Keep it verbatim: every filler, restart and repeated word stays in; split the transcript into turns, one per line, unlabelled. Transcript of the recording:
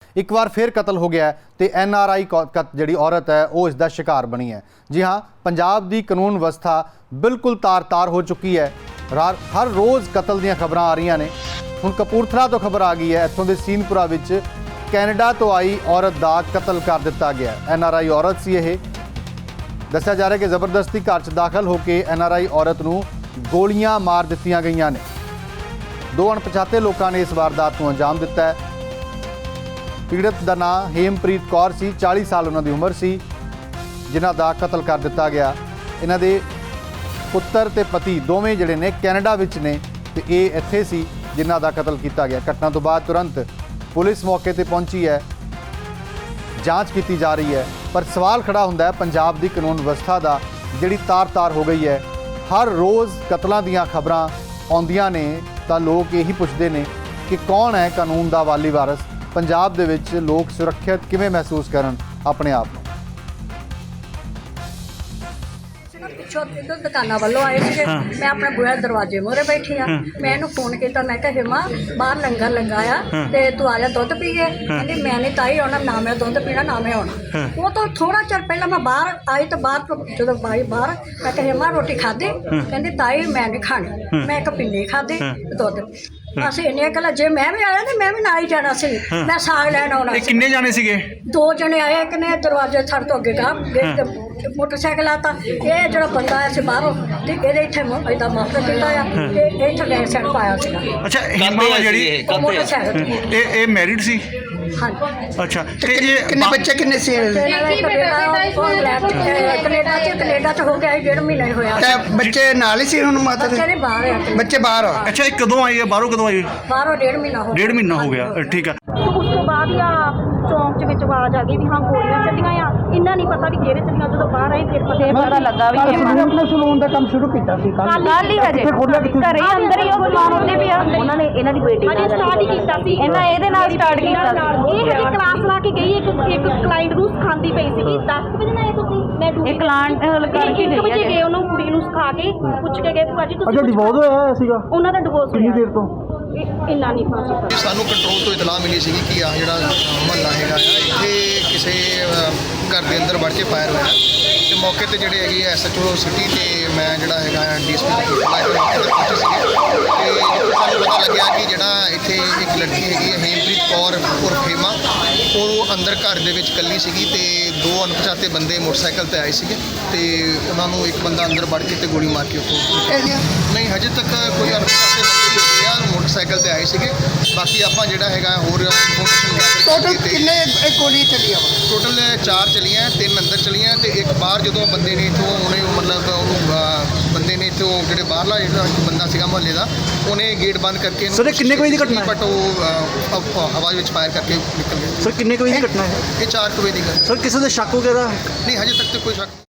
एक बार फिर कतल हो गया है तो एन आर आई जी औरत है वो इसका शिकार बनी है। जी हाँ, पंजाब की कानून व्यवस्था बिल्कुल तार तार हो चुकी है। हर रोज़ कतल दी खबर आ रही ने। हुण कपूरथला तो खबर आ गई है, इत्थों के सीनपुरा विच कैनेडा तो आई औरत का कतल कर दिता गया। एन आर आई औरत सी यह दस्या जा रहा है कि जबरदस्ती घर च दाखिल होकर एन आर आई औरत नूं गोलियां मार दित्तियां गईयां ने। दो अणपछाते लोगों ने इस वारदात को अंजाम दिता है। पीड़ित का नाम हेमप्रीत कौर सी, चालीस साल उन्हों की उम्र सी, जिन्हां दा कतल कर दिता गया। इन्हां दे पुत्र ते पति दोवें जिहड़े ने कैनेडा विच ने ते ये इत्थे सी जिन्हां दा कतल किया गया। घटना तो बाद तुरंत पुलिस मौके पर पहुंची है, जांच की जा रही है। पर सवाल खड़ा हुंदा है पंजाब की कानून व्यवस्था का, जिहड़ी तार तार हो गई है। हर रोज़ कतलों दीयां खबरां आउंदियां ने तो लोग यही पुछते हैं कि कौन है कानून का वाली वारस। पंजाब दे विच लोग सुरक्षित किवें महसूस करन अपने आप को।
पिछों इधर दुकाना वालों आए थे, मैं अपने बुआ दरवाजे मोहरे बैठी हाँ। मैं इन्हूं फोन किया, मैं कहा हिमा बाहर लंगर लगाया तो तू आ जा दुध पीए। कहती मैं नहीं ताई आना, ना मैं दुध पीना ना मैं आना। वो तो थोड़ा चर पहले मैं बाहर आई तो बाहर जो आई बाहर मैं कहा हिमा रोटी खाधी, कहती ताई मैं नहीं खानी। मैं एक पिन्नी खाधी दुध। ਅਸੀਂ ਇੰਨੀਆਂ ਗੱਲਾਂ ਜੇ ਮੈਂ ਵੀ ਆਇਆ ਤੇ ਮੈਂ ਵੀ ਨਾਲ ਹੀ ਜਾਣਾ ਸੀ। ਮੈਂ ਸਾਗ ਲੈਣ ਆਉਣਾ ਸੀ।
ਕਿੰਨੇ ਜਾਣੇ ਸੀਗੇ?
ਦੋ ਜਣੇ ਆਏ, ਇੱਕ ਨੇ ਦਰਵਾਜ਼ੇ ਥੜ ਤੋਂ ਅੱਗੇ ਗਾ ਮੋਟਰਸਾਈਕਲ ਆਤਾ। ਇਹ ਜਿਹੜਾ ਬੰਦਾ ਆਇਆ ਸੀ ਬਾਹਰੋਂ ਤੇ ਇਹਦੇ ਇੱਥੇ ਇਹਦਾ ਮਾਫਰ ਕੀਤਾ ਆ ਤੇ ਇੱਥੇ ਗੈਰ ਸੈਂਡ ਪਾਇਆ ਸੀਗਾ।
ਅੱਛਾ, ਹਿਮਾ ਜਿਹੜੀ
ਮੋਟਰਸਾਈਕਲ
ਇਹ ਇਹ ਮੈਰਿਡ ਸੀ?
ਹਾਂਜੀ।
ਅੱਛਾ, ਤੇ ਇਹ
ਕਿੰਨੇ ਬੱਚੇ ਕਿੰਨੇ ਸੀ?
ਕੈਨੇਡਾ ਚ ਕੈਨੇਡਾ ਚ ਹੋ ਗਿਆ ਡੇਢ ਮਹੀਨਾ ਹੀ ਹੋਇਆ।
ਤੇ ਬੱਚੇ ਨਾਲ ਹੀ ਸੀ ਹੁਣ ਮਾਤਾ
ਬੱਚੇ
ਦੇ?
ਨੇ ਬਾਹਰ ਆ।
ਬੱਚੇ ਬਾਹਰ ਆ?
ਅੱਛਾ, ਇਹ ਕਦੋਂ ਆਈ ਹੈ? ਬਾਹਰੋਂ ਕਦੋਂ ਆਈ?
ਬਾਹਰੋਂ ਡੇਢ ਮਹੀਨਾ ਹੋ ਗਿਆ।
ਡੇਢ ਮਹੀਨਾ ਹੋ ਗਿਆ, ਠੀਕ ਹੈ।
ਉਸ ਤੋਂ ਬਾਅਦ ਹੀ ਆ ਚੌਂਕ ਚ ਵਿੱਚ ਆਵਾਜ਼ ਆ ਗਈ ਵੀ ਹਾਂ ਗੋਲੀਆਂ ਚੱਲੀਆਂ ਆ। ਇੰਨਾ ਨਹੀਂ ਪਤਾ ਵੀ ਕਿਹੜੇ ਚੱਲੀਆਂ। ਜਦੋਂ ਬਾਹਰ ਆਏ ਫਿਰ ਪਤਾ ਪਤਾ ਲੱਗਾ ਵੀ
ਸਲੂਨ ਸਲੂਨ ਦਾ ਕੰਮ ਸ਼ੁਰੂ ਕੀਤਾ ਸੀ ਕੱਲ
ਕੱਲ ਹੀ ਹਜੇ ਘਰੇ ਅੰਦਰ ਹੀ ਉਹ ਸਮਾਨ ਹੁੰਦੇ ਪਿਆ। ਉਹਨਾਂ ਨੇ ਇਹਨਾਂ ਦੀ ਬੇਟੀ ਨਾਲ ਸਟਾਰਟ ਹੀ ਕੀਤਾ ਸੀ। ਇਹਨਾਂ ਇਹਦੇ ਨਾਲ ਸਟਾਰਟ ਕੀਤਾ ਸੀ। ਇਹ ਹਜੇ ਕਲਾਸ ਲਾ ਕੇ ਗਈ, ਇੱਕ ਇੱਕ ਕਲਾਇੰਟ ਨੂੰ ਸਿਖਾਉਂਦੀ ਪਈ ਸੀਗੀ। ਦਸ ਵਜੇ ਨਾਲ ਆਏ ਤੁਸੀਂ? ਮੈਂ ਡਿਊਟੀ
ਇਹ ਕਲਾਇੰਟ ਕਰਕੇ
ਇੱਕ ਵਜੇ ਗਏ, ਉਹਨੂੰ ਕੁੜੀ ਨੂੰ ਸਿਖਾ ਕੇ ਪੁੱਛ ਕੇ ਗਏ ਭੂਆ ਜੀ ਤੁਸੀਂ
ਅੱਛਾ ਡਿਵੋਰਸ ਹੋਇਆ ਸੀਗਾ?
ਉਹਨਾਂ ਦਾ ਡਿਵੋਰਸ
ਕਿੰਨੀ ਦੇਰ ਤੋਂ?
ਇੰਨਾ ਨਹੀਂ ਪਤਾ।
ਸਾਨੂੰ ਕੰਟਰੋਲ ਤੋਂ ਇਤਲਾਹ ਮਿਲੀ ਸੀ ਕਿ ਆ ਜਿਹੜਾ ਮਹੱਲਾ ਹੈਗਾ ਆ ਇੱਥੇ ਕਿਸੇ ਘਰ ਦੇ ਅੰਦਰ ਵੜ ਕੇ ਫਾਇਰ ਹੋਇਆ ਤੇ ਮੌਕੇ ਤੇ ਜਿਹੜੇ ਹੈਗੇ ਐਸ ਐਚ ਓ ਸਿਟੀ ਤੇ ਮੈਂ ਜਿਹੜਾ ਹੈਗਾ ਡੀ ਐਸ ਪੀ ਦਾ ਪਹੁੰਚੇ ਸੀਗੇ ਤੇ ਜਿੱਥੇ ਸਾਨੂੰ ਪਤਾ ਲੱਗਿਆ ਕਿ ਜਿਹੜਾ ਇੱਥੇ ਇੱਕ ਲੜਕੀ ਹੈਗੀ ਹੈ ਹੇਮਪ੍ਰੀਤ ਕੌਰ ਉਰਫ ਹੇਮਾ, ਉਹ ਅੰਦਰ ਘਰ ਦੇ ਵਿੱਚ ਇਕੱਲੀ ਸੀਗੀ ਤੇ ਦੋ ਅਣਪਛਾਤੇ ਬੰਦੇ ਮੋਟਰਸਾਈਕਲ ਤੇ ਆਏ ਸੀਗੇ ਤੇ ਉਹਨਾਂ ਨੂੰ ਇੱਕ ਬੰਦਾ ਅੰਦਰ ਵੜ ਕੇ ਤੇ ਗੋਲੀ ਮਾਰ ਕੇ ਉੱਥੋਂ। ਨਹੀਂ ਹਜੇ ਤੱਕ ਕੋਈ ਅਣਪਛਾਤੇ ਬੰਦੇ ਹੋਏ ਆ ਮੋਟਰਸਾਈਕਲ ਤੇ ਆਏ ਸੀਗੇ। ਬਾਕੀ ਆਪਾਂ ਜਿਹੜਾ ਹੈਗਾ ਹੋਰ ਇਨਫੋਰਮੇਸ਼ਨ ਗੈਦਰ
ਟੋਟਲ
ਕੀਤੀ।
ਕਿੰਨੇ ਗੋਲੀ ਚੱਲੀ ਆ?
ਟੋਟਲ ਚਾਰ ਚਲੀਆਂ, ਤਿੰਨ ਅੰਦਰ ਚਲੀਆਂ ਤੇ ਇੱਕ ਬਾਹਰ ਜਦੋਂ ਬੰਦੇ ਨੇ ਇੱਥੋਂ ਉਹਨੇ ਮਤਲਬ ਉਹਨੂੰ ਬੰਦੇ ਨੇ ਇੱਥੋਂ ਜਿਹੜੇ ਬਾਹਰਲਾ ਜਿਹੜਾ ਬੰਦਾ ਸੀਗਾ ਮੁਹੱਲੇ ਦਾ ਉਹਨੇ ਗੇਟ ਬੰਦ ਕਰਕੇ
ਸਰ, ਇਹ ਕਿੰਨੇ ਕੁ ਵਜੇ ਦੀ ਘਟਨਾ ਹੈ?
ਬਟ ਉਹ ਹਵਾ ਵਿੱਚ ਫਾਇਰ ਕਰਕੇ ਨਿਕਲ ਗਏ।
ਸਰ, ਕਿੰਨੇ ਕੁ ਵਜੇ ਦੀ ਘਟਨਾ ਹੈ?
ਇਹ ਚਾਰ ਕੁ ਵਜੇ ਦੀ ਗੱਲ।
ਸਰ, ਕਿਸੇ ਦੇ ਸ਼ੱਕ ਵਗੈਰਾ?
ਨਹੀਂ ਹਜੇ ਤੱਕ ਤਾਂ ਕੋਈ ਸ਼ੱਕ